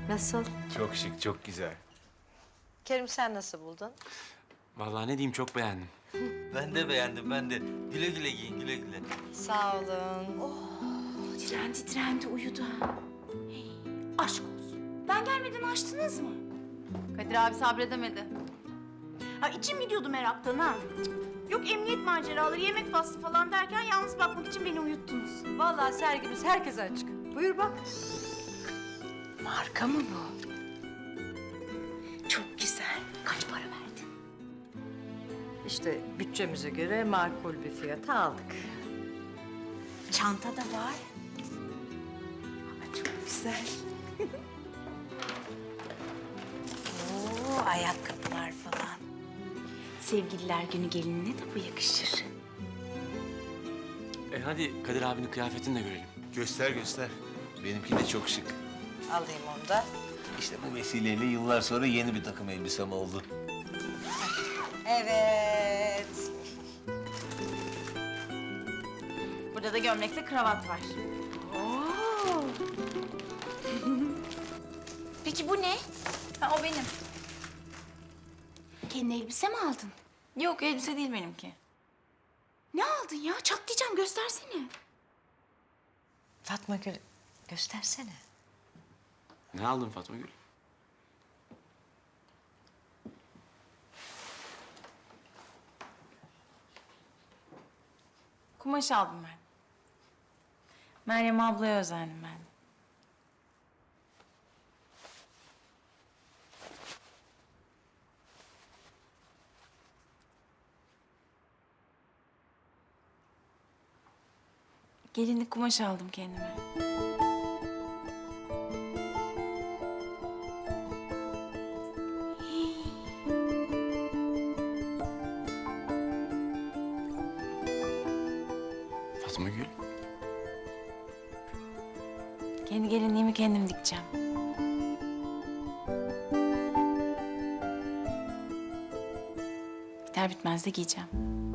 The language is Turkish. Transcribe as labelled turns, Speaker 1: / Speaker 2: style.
Speaker 1: Nasıl?
Speaker 2: Çok şık, çok güzel.
Speaker 1: Kerim sen nasıl buldun?
Speaker 3: Vallahi ne diyeyim, çok beğendim.
Speaker 4: Ben de beğendim, ben de. Güle güle giyin, güle güle.
Speaker 1: Sağ olun.
Speaker 5: Direndi uyudu. Hey, aşk olsun. Ben gelmeden açtınız mı?
Speaker 6: Kadir abi sabredemedi.
Speaker 5: Ha içim gidiyordu meraktan ha. Yok emniyet maceraları, yemek faslı falan derken yalnız bakmak için beni uyuttunuz.
Speaker 1: Vallahi sergimiz herkese açık. Buyur bak.
Speaker 5: Marka mı bu? Çok güzel. Kaç para verdin?
Speaker 1: İşte bütçemize göre makul bir fiyata aldık.
Speaker 5: Çanta da var. Ama çok güzel. Oo, ayakkabılar falan. Sevgililer günü gelinine de bu yakışır.
Speaker 3: Hadi Kadir abinin kıyafetini de görelim.
Speaker 2: Göster göster. Benimki de çok şık.
Speaker 1: Alayım onu da.
Speaker 2: İşte bu vesileyle yıllar sonra yeni bir takım elbisem oldu.
Speaker 1: Evet.
Speaker 5: Burada da gömlekle kravat var. Oo. Peki bu ne?
Speaker 6: Ha, o benim.
Speaker 5: Kendi elbise mi aldın?
Speaker 6: Yok elbise değil benimki.
Speaker 5: Ne aldın ya? Çatlayacağım, göstersene.
Speaker 1: Fatma Gül göstersene.
Speaker 3: Ne aldın Fatma Gül?
Speaker 6: Kumaş aldım ben. Meryem ablaya özendim ben. Gelinlik kumaş aldım kendime.
Speaker 3: Fatma Gül?
Speaker 6: Kendi gelinliğimi kendim dikeceğim. Biter bitmez de giyeceğim.